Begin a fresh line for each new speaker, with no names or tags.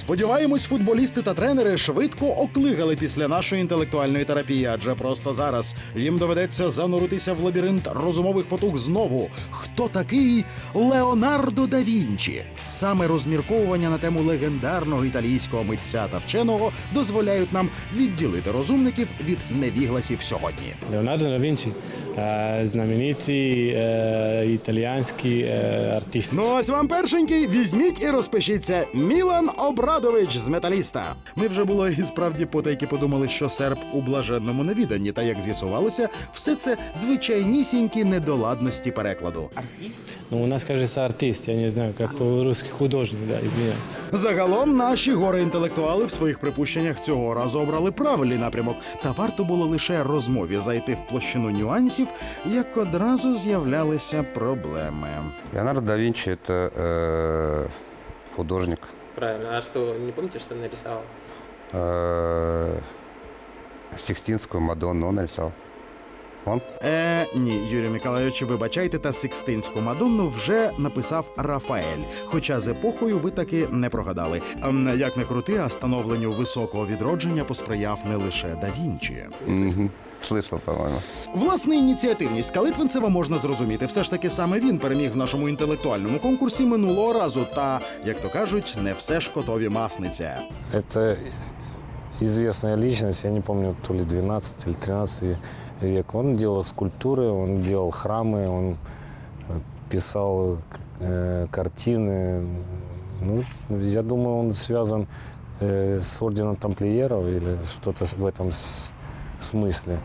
Сподіваємось, футболісти та тренери швидко оклигали після нашої інтелектуальної терапії, адже просто зараз їм доведеться зануритися в лабіринт розумових потуг знову. Хто такий Леонардо да Вінчі? Саме розмірковування на тему легендарного італійського митця та вченого дозволяють нам відділити розумників від невігласів сьогодні.
Леонардо да Вінчі – знаменитий італійський артист.
Ну ось вам першенький, візьміть і розпишіться. Мілан Обрадович з «Металіста». Ми вже було і справді потайки подумали, що серб у блаженному невіданні. Та як з'ясувалося, все це звичайнісінькі недоладності перекладу.
Ну, у нас, кажется, артист, я не знаю, як по-русски художник, да, извиняюсь.
Загалом наші горе-інтелектуали в своїх припущеннях цього разу обрали правильний напрямок. Та варто було лише розмові зайти в площину нюансів, як одразу з'являлися проблеми.
Леонардо да Винчи – это художник.
Правильно. А что, не помните, что нарисовал?
Сикстинскую Мадонну он нарисовал. Он?
Ні, Юрію Миколайовичу, вибачайте, та Сикстинську Мадонну вже написав Рафаель. Хоча з епохою ви таки не прогадали. Як не крути, а становленню високого відродження посприяв не лише да Вінчі.
Угу. Слышал, по-моему.
Власне, ініціативність Калитвинцева можна зрозуміти. Все ж таки саме він переміг в нашому інтелектуальному конкурсі минулого разу. Та, як то кажуть, не все ж котові масниця.
Это известная личность, я не помню, то ли 12 или 13 век. Он делал скульптуры, он делал храмы, он писал картины. Ну, я думаю, он связан с орденом тамплиеров или что-то в этом смысле.